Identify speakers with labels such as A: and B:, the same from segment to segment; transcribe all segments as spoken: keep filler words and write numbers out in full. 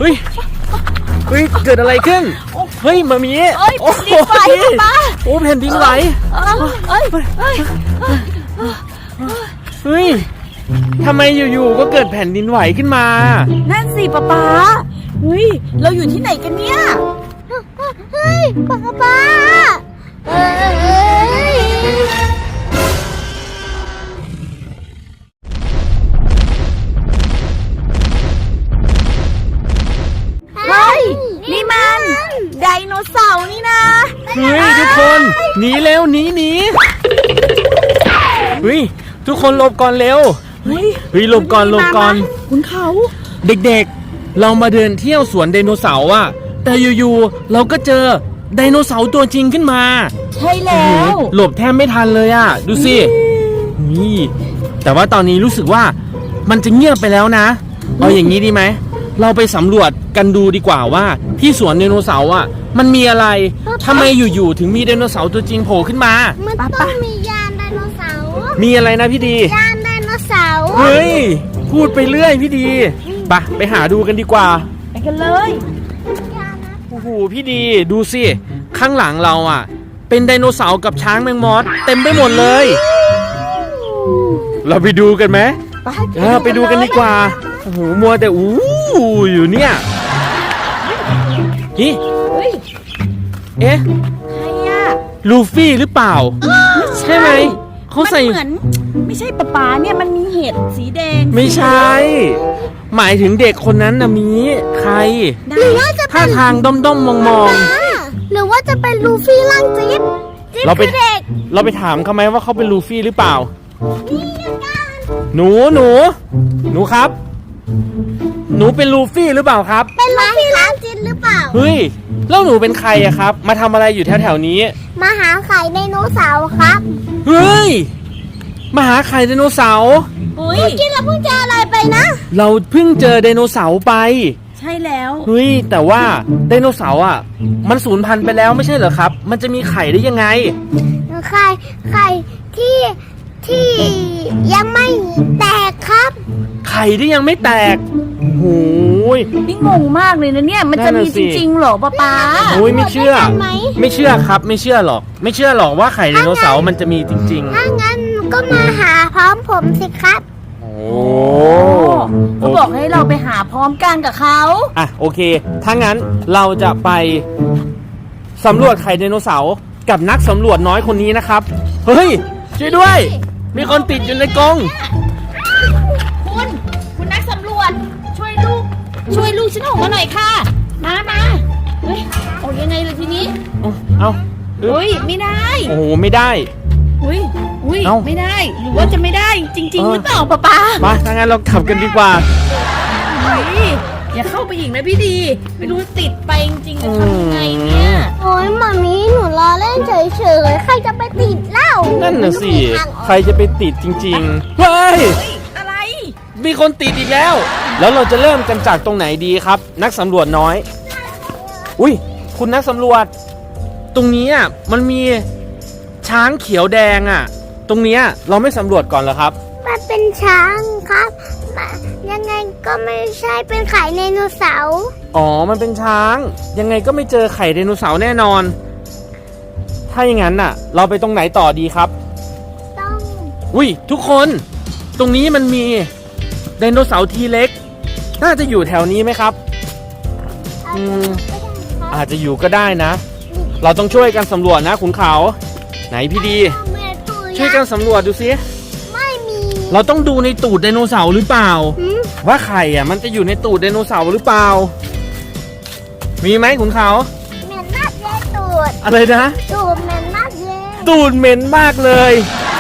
A: เฮ้ยเฮ้ยเกิดอะไรขึ้นเฮ้ยมามีโอ้โหโอ้แผ่นดินไหวเฮ้ยทำไมอยู่ๆก็เกิดแผ่นดินไหวขึ้นมา
B: นั่นสิป๊าป๊าเฮ้ยเราอยู่ที่ไหนกันเนี่ย
C: เฮ้ยป๊าป๊าเอ้ย
B: เฮ้ยนี่มันไดโนเสาร์นี่นะ
A: เฮ้ยทุกคนหนีเร็วหนีหนีเฮ้ยทุกคนหลบก่อนเร็วเฮ้ยเฮ้ยหลบก่อนหลบก่อน
B: คุณเขา
A: เด็กๆเรามาเดินเที่ยวสวนไดโนเสาร์อะแต่อยู่ๆเราก็เจอไดโนเสาร์ตัวจริงขึ้นมา
B: ใช่แล้ว
A: หลบแทบไม่ทันเลยอะดูสินี่แต่ว่าตอนนี้รู้สึกว่ามันจะเงียบไปแล้วนะเอาอย่างนี้ดีไหมเราไปสำรวจกันดูดีกว่าว่าที่สวนไดโนเสาร์อ่ะมันมีอะไรทำไมอยู่ๆถึงมีไดโนเสาร์ตัวจริงโผล่ขึ้นมา
C: มันต้องมียานไดโนเสาร์
A: มีอะไรนะพี่ดี
C: ยานไดโนเสาร์
A: เฮ้ยพูดไปเรื่อยพี่ดีไปไปหาดูกันดีกว่า
B: ไปกันเลย
A: โอ้โหพี่ดีดูสิข้างหลังเราอ่ะเป็นไดโนเสาร์กับช้างแมงมอสเต็มไปหมดเลยเราไปดูกันไหมเออไปดูกันดีกว่าโอ้โหมัวแต่อู้อยู่เนี่ยนี่เอ๊ะ
B: ใครอะ
A: ลูฟี่หรือเปล่าใช่ไหมเขาใส่
B: เหมือนไม่ใช่ป๊าป๊าเนี่ยมันมีเห็ดสีแดง
A: ไม่ใช่หมายถึงเด็กคนนั้นนะมีใคร
C: หรือว่าจะ
A: ท่าทางด้อมด้อมมองมอง
C: หรือว่าจะเป็นลูฟี่ร่างจิ๊บจิ๊บคือเด็ก
A: เราไปถามเขาไหมว่าเขาเป็นลูฟี่หรือเปล่าหนูหนูหนูครับหนูเป็นลูฟี่หรือเปล่าครับ
C: เป็นลูฟี่ร่างจิ๊บหรือเปล่า
A: เฮ้ยแล้วหนูเป็นใครอะครับมาทำอะไรอยู่แถวแถวนี้
C: มาหาไข่ไดโนเสาร์ครับ
A: เฮ้ยมาหาไข่ไดโนเสาร์
C: เมื่อกี้เราเพิ่งเจออะไรไปนะ
A: เราเพิ่งเจอไดโนเสาร์ไป
B: ใช่แล้ว
A: เฮ้ยแต่ว่าไดโนเสาร์อ่ะมันสูญพันธุ์ไปแล้วไม่ใช่เหรอครับมันจะมีไข่ได้ยังไง
C: ไข่ไข่ที่ที่ยังไม่แตกครับ
A: ไข่ที่ยังไม่แตกโอ้ย
B: นี่งงมากเลยนะเนี่ยมันจะมีจริงๆหรอป๊าป๊า
A: โอ้ยไม่เชื่อไม่เชื่อครับไม่เชื่อหรอกไม่เชื่อหรอกว่าไข่ไดโนเสาร์มันจะมีจริงๆ
C: ถ้างั้นก็มาหาพร้อมผมสิครับ
A: โอ้
B: เขาบอกให้เราไปหาพร้อมกันกับเขา
A: อ่ะโอเคถ้างั้นเราจะไปสำรวจไข่ไดโนเสาร์กับนักสำรวจน้อยคนนี้นะครับเฮ้ยช่วยด้วยมีคนติดอยู่ในกรง
B: คุณคุณนักสำรวจช่วยลูกช่วยลูกฉันออกมาหน่อยค่ะมามาเฮ้ยออกยังไงเลยทีนี้
A: เอา
B: เฮ้ยไม่ได้
A: โอ้โหไม่ได้
B: อุ้ยอุ้ยไม่ได้หรือว่าจะไม่ได้จริงๆหรือเปล่าป๊าป๊า
A: มาถ้างั้นเราขับกันดีกว่า
B: เฮ้ยอย่าเข้าไปอีกนะพี่ดีไม่รู้ติดไปจริงๆจะทำยังไงเนี่ย
C: โอ้ยหมามีหนูล้อเล่นเฉยๆใครจะไปติดเล่า
A: นั่นน่ะสิใครจะไปติดจริงๆเฮ้ย
B: อะไร
A: มีคนติดอีกแล้วแล้วเราจะเริ่มกันจากตรงไหนดีครับนักสำรวจน้อยอุ้ยคุณนักสำรวจตรงนี้อ่ะมันมีช้างเขียวแดงอ่ะตรงนี้เราไม่สำรวจก่อนเหรอครับ
C: มันเป็นช้างครับยังไงก็ไม่ใช่เป็นไข่ไดโนเสาร์
A: อ๋อมันเป็นช้างยังไงก็ไม่เจอไข่ไดโนเสาร์แน่นอนถ้าอย่างนั้นน่ะเราไปตรงไหนต่อดีครับ
C: ต้อง
A: อุ้ยทุกคนตรงนี้มันมีไดโนเสาร์ทีเล็กน่าจะอยู่แถวนี้ไหมครับอืมอาจจะอยู่ก็ได้นะเราต้องช่วยกันสำรวจนะขุนเขาไหนพี่ดีช่วยกันสำรวจดูสิ
C: ไม่มี
A: เราต้องดูในตูดไดโนเสาร์หรือเปล่าว่าไข่อ่ะมันจะอยู่ในตูดไดโนเสาร์หรือเปล่ามีไหมขุนเขา
C: เหม็นมากเลยตูด
A: อะไรนะ
C: ตูดเหม็นมากเลย
A: ตูดเหม็นมากเลย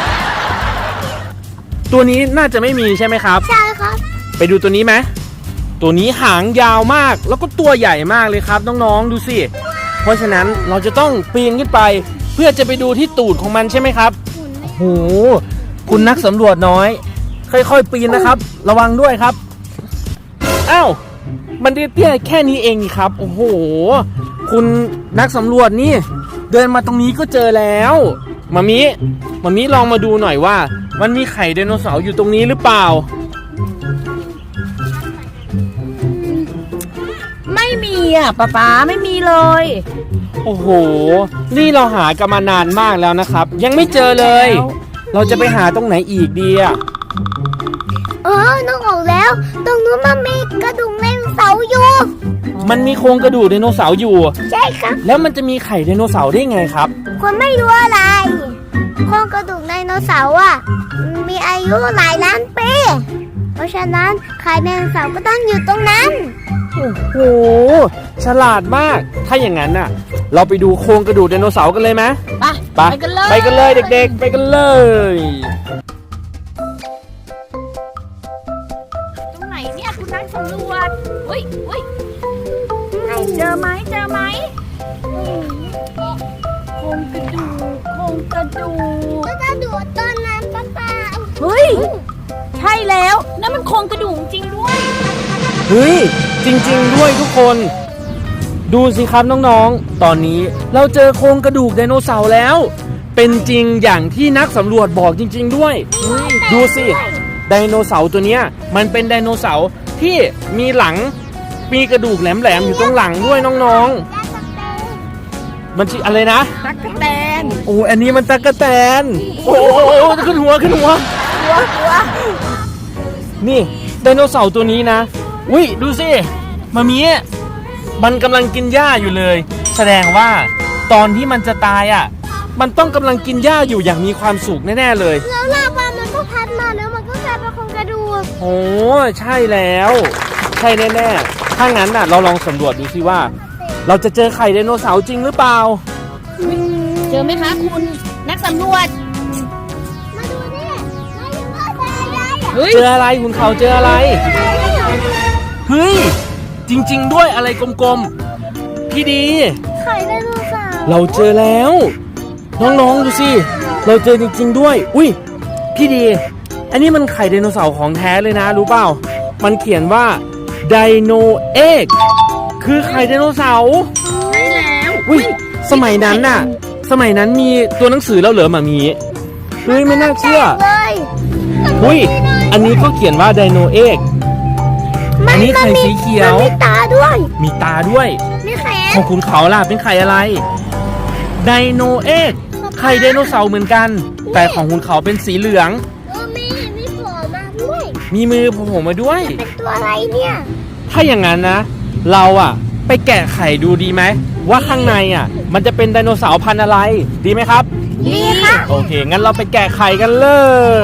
A: ตัวนี้น่าจะไม่มีใช่ไหมครับ
C: ใช่ครับ
A: ไปดูตัวนี้ไหมตัวนี้หางยาวมากแล้วก็ตัวใหญ่มากเลยครับน้องๆดูสิเพราะฉะนั้นเราจะต้องปีนขึ้นไปเพื่อจะไปดูที่ตูดของมันใช่ไหมครับโอ้โหคุณนักสำรวจน้อยค่อยๆปีนนะครับระวังด้วยครับอ้าวมันเตี้ยๆแค่นี้เองครับโอ้โหคุณนักสำรวจนี่เดินมาตรงนี้ก็เจอแล้วมามิมามิลองมาดูหน่อยว่ามันมีไข่ไดโนเสาร์อยู่ตรงนี้หรือเปล่า
B: อ่ะป๊าป๊าไม่มีเลย
A: โอ้โห นี่เราหากันมานานมากแล้วนะครับ ยังไม่เจอเลย เราจะไปหาตรงไหนอีกดีอะ
C: เออนึกออกแล้ว ตรงนู้นมันมีกระดูกไดโนเสาร์อยู่
A: มันมีโครงกระดูกไดโนเสาร์อยู่
C: ใช่ครับ
A: แล้วมันจะมีไข่ไดโนเสาร์ได้ไงครับ
C: คนไม่รู้อะไรโครงกระดูกไดโนเสาร์อ่ะมีอายุหลายล้านปีเพราะฉะนั้นไข่ไดโนเสาร์ก็ต้องอยู่ตรงนั้น
A: โอ้โห ฉลาดมาก ถ้าอย่างนั้นน่ะ เราไปดูโครงกระดูกไดโนเสาร์กันเลยไหม
B: ไป
A: ไป
B: ไปกันเลย
A: ไปกันเลยเด็กๆ ไปกันเลย
B: ตรงไหนเนี่ยคุณนักสำรวจเฮ้ยเฮ้ยเจอไหมเจอไหมโครงกระดูกโครงกระดูก
C: ก็จะดูต้นนั้นป้าป้า
B: เฮ้ยใช่แล้วนั่นมันโครงกระดูกจริงด้วย
A: เฮ้ย จริงๆด้วยทุกคน ดูสิครับน้องๆ ตอนนี้เราเจอโครงกระดูกไดโนเสาร์แล้ว เป็นจริงอย่างที่นักสำรวจบอกจริง ๆ ด้วย ดูสิไดโนเสาร์ตัวเนี้ยมันเป็นไดโนเสาร์ที่มีหลังมีกระดูกแหลมๆอยู่ตรงหลังด้วยน้องๆ มันชื่ออะไรนะ
B: ตั๊กแตน
A: โอ้อันนี้มันตั๊กแตนโอ้โหขึ้นหัวขึ้นหัว
B: ตัวตัว
A: นี่ไดโนเสาร์ตัวนี้นะอุ้ยดูสิมามีมันกำลังกินหญ้าอยู่เลย แสดงว่าตอนที่มันจะตายอ่ะ มันต้องกำลังกินหญ้าอยู่อย่างมีความสุขแน่ๆเลย
C: แล้วลาวามันก็พัดมาแล้วมันก็กลายเป็นโครงกระดูก
A: โอ้ใช่แล้ว ใช่แน่ๆถ้างั้นน่ะเราลองสำรวจดูสิว่า เราจะเจอไข่ไดโนเสาร์จริงหรือเปล่า
B: เจอไหมคะคุณนักสำรวจ
C: มาดูนี่มาดูว่าจะอะไรอ่ะ
B: เฮ้ย
A: เจออะไรคุณเขาเจออะไรเฮ้ยจริงๆด้วยอะไรกลมๆพี่ดี
C: ไข่ไดโนเสาร์
A: เราเจอแล้ว น้องๆดูสิเราเจอจริงๆด้วย อุ้ยพี่ดี อันนี้มันไข่ไดโนเสาร์ของแท้เลยนะรู้เปล่ามันเขียนว่าไดโนเอ็กคือไข่ไดโนเสาร์
B: ใช่แล้ว
A: อุ้ยสมัยนั้นน่ะ สมัยนั้นมีตัวหนังสือแล้วเหรอหมามีเฮ้ยไม่น่าเชื่อ
C: เลย
A: อุ้ยอันนี้ก็เขียนว่าไดโนเอ็ก อันนี้ไข่สีเขียว
C: มันมีตาด้วย
A: มีตาด้วย
C: มีแขน
A: ของคุณเขาล่ะเป็นไข่อะไรไดโนเอ็กไข่ไดโนเสาร์เหมือนกัน แต่ของคุณเขาเป็นสีเหลือง
C: เออมีมีโผล่มาด้วย
A: มีมือโผล่มาด้วย
C: เป็นตัวอะไรเนี่ย
A: ถ้าอย่างนั้นนะ เราอะไปแกะไข่ดูดีไหมว่าข้างในอะมันจะเป็นไดโนเสาร์พันธุ์อะไร ดีไหมครับ
C: ดีค่ะ
A: โอเค งั้นเราไปแกะไข่กันเลย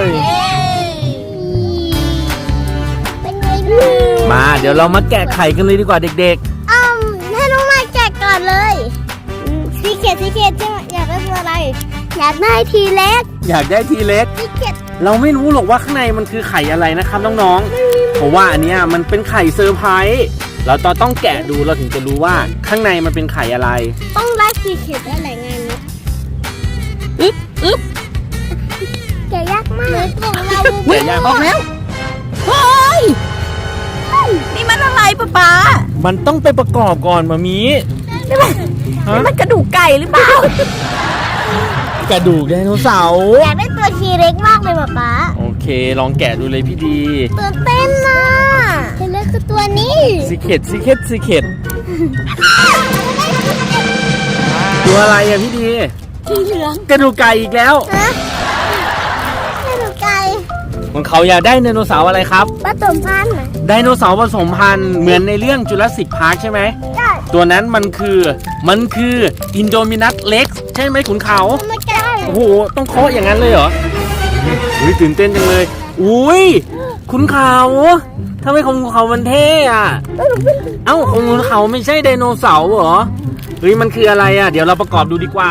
C: เป็นไงบ้าง
A: มาเดี๋ยวเรามาแกะไข่กันเลยดีกว่าเด็ก
C: อืมให้น้องมาแกะก่อนเลยสีเขียดสีเขียดจะอยากได้ตัวอะไร อยากได้ทีเล็ก
A: ๆ อยากได้ทีเล็ก
C: สีเขียด
A: เราไม่รู้หรอกว่าข้างในมันคือไข่อะไรนะครับน้องๆ เพราะว่าอันเนี้ยมันเป็นไข่เซอร์ไพรส์เราต้องต้องแกะดูเราถึงจะรู้ว่าข้างในมันเป็นไข่อะไร
C: ต้องรักสีเขียดได้หลายงานนะ
B: อึ๊บอึ๊บ
C: แกะยากมากเลยของเรา
A: แกะยาก
B: ออกแล้วเฮ้ยนี่มันอะไรป๊าป๊า
A: มันต้องไปประกอบก่อนมามีฮะ
B: นี่มันกระดูกไก่หรือเปล่า
A: กระดูกไดโนเสาร์
C: อยากได้ตัวทีเล็กมากเลยป๊าป๊า
A: โอเค ลองแกะดูเลยพี่ดี
C: ตื่นเต้นนะทีเล็กคือตัวนี้
A: สิเข็ดสิเข็ดสิเข็ดตัวอะไรอะพี่ดี
B: สีเหลือง
A: กระดูกไก่อีกแล้ว
C: ฮะให้หนูไก่
A: ของเขาอยากได้ไดโนเสาร์อะไรครับ
C: ผสมพันธุ์น่ะ
A: ไดโนเสาร์ผสมพันธุ์เหมือนในเรื่องจูราสสิกพาร์คใช่ไหม
C: ใช่
A: ตัวนั้นมันคือมันคืออินโดมินัสเล็กใช่ไหมขุนเขา
C: ไม่ใช่
A: โอ้โหต้องเคาะอย่างนั้นเลยเหรออุ้ยตื่นเต้นจังเลยอุ้ยขุนเขาทำไมของขุนเขามันเท่อะเอ้าของขุนเขาไม่ใช่ไดโนเสาร์เหรอเฮ้ยมันคืออะไรอะเดี๋ยวเราประกอบดูดีกว่า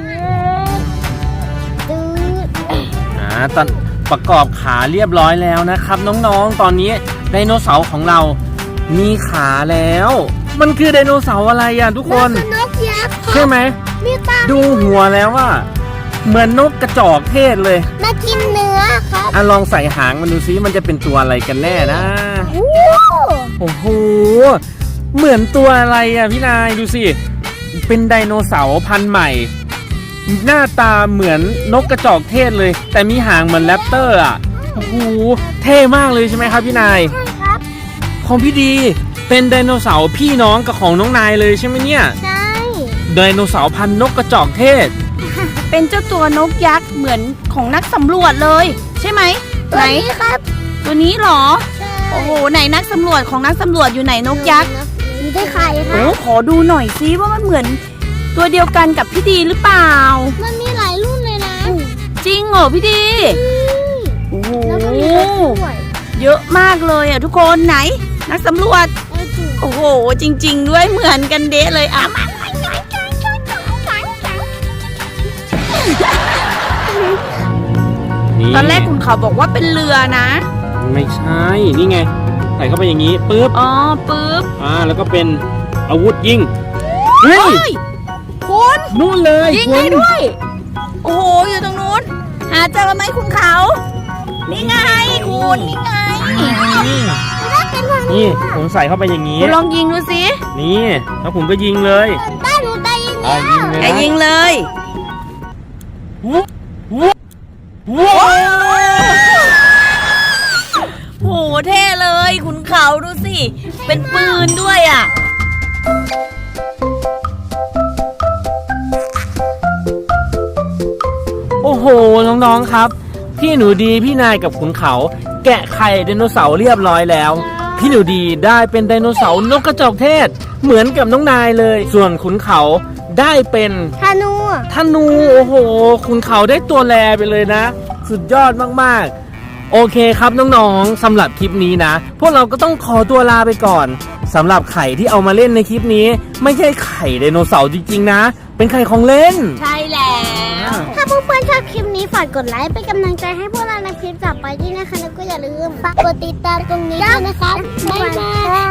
C: ตื้อ
A: อ่าตอนประกอบขาเรียบร้อยแล้วนะครับ น้องๆ ตอนนี้ไดโนเสาร์ของเรามีขาแล้ว มันคือไดโนเสาร์อะไรอ่ะทุกคน
C: คือนกยักษ์
A: ใช่ไหม
C: มีตา
A: ดูหัวแล้วว่าเหมือนนกกระจอกเทศเลย
C: มากินเนื้อครับ
A: อ่ะลองใส่หางมันดูซิมันจะเป็นตัวอะไรกันแน่นะ
C: โอ้
A: โอ้โหเหมือนตัวอะไรอ่ะพี่นายดูสิเป็นไดโนเสาร์พันธุ์ใหม่ หน้าตาเหมือนนกกระจอกเทศเลย แต่มีหางเหมือนแรปเตอร์อ่ะโอ้โหเท่มากเลยใช่ไหมครับพี่นาย
C: ใช่ครับ
A: ของพี่ดีเป็นไดโนเสาร์พี่น้องกับของน้องนายเลยใช่ไหมเนี่ย
C: ใช่
A: ไดโนเสาร์พันธุ์นกกระจอกเทศ
B: เป็นเจ้าตัวนกยักษ์เหมือนของนักสำรวจเลย ใช่ไหม
C: ตัว
B: ไหน
C: นี้ครับ
B: ตัวนี้เหรอ
C: ใช่
B: โอ้โหไหนนักสำรวจของนักสำรวจอยู่ไหนนกยักษ์
C: มีได้ไข่ค
B: โอ้
C: รับ
B: ขอดูหน่อยซิว่ามันเหมือนตัวเดียวกันกับพี่ดีหรือเปล่า
C: มันมีหลายรุ่นเลยนะ
B: จริงเหรอพี่ดีโอ้โห
C: แล้วก็มีเล็กด้วย
B: เยอะมากเลยอ่ะทุกคนไหน นักสำรวจ
C: เออจริง
B: โอ้โห จริง ๆ ด้วยเหมือนกันเดะเลยอ่ะ ตอนแรกคุณเขาบอกว่าเป็นเรือนะ
A: ไม่ใช่ นี่ไง ใส่เข้าไปอย่างนี้ปุ๊บ
B: อ๋อปึ๊บ
A: อ่า แล้วก็เป็นอาวุธยิง เฮ้ย
B: เฮ้ยคุณ
A: นู่นเลย
B: ยิง
A: คุณ
B: ได้ด้วย โอ้โห อยู่ตรงนู้น หาเจอไหมคุณเขา นี่ไงคุณนี่ไง
A: นี่ผมใส่เข้าไปอย่างนี้
B: คุณลองยิงดูสิ
A: นี่ แล้วผมก็ยิงเลย
C: ได้หนูได้ยิน
A: อ่ายิงเลย
B: ไอ้
A: นะ
B: ยิงเลย
A: วุ้บวุ้บวุ้บ
B: โหเท่เลยคุณเขาดูสิ เป็นปืนด้วยอ่ะ
A: โอ้โห น้องๆ ครับ พี่หนูดี พี่นายกับขุนเขา แกะไข่ไดโนเสาร์เรียบร้อยแล้ว พี่หนูดีได้เป็นไดโนเสาร์นกกระจอกเทศ เหมือนกับน้องนายเลย ส่วนขุนเขาได้เป็น
C: ธนู
A: ธนู โอ้โห ขุนเขาได้ตัวแลไปเลยนะ สุดยอดมากๆ โอเคครับน้องๆสำหรับคลิปนี้นะ พวกเราก็ต้องขอตัวลาไปก่อนสำหรับไข่ที่เอามาเล่นในคลิปนี้ ไม่ใช่ไข่ไดโนเสาร์จริงๆนะ เป็นไข่ของเล่น
B: ใช่แล้ว
C: ถ้าเพื่อนๆชอบคลิปนี้ฝากกดไลค์เป็นกำลังใจให้พวกเราในคลิปต่อไปด้วยนะคะแล้วก็อย่าลืมฝากกดติดตามตรงนี้ด้วยนะคะบ๊ายบาย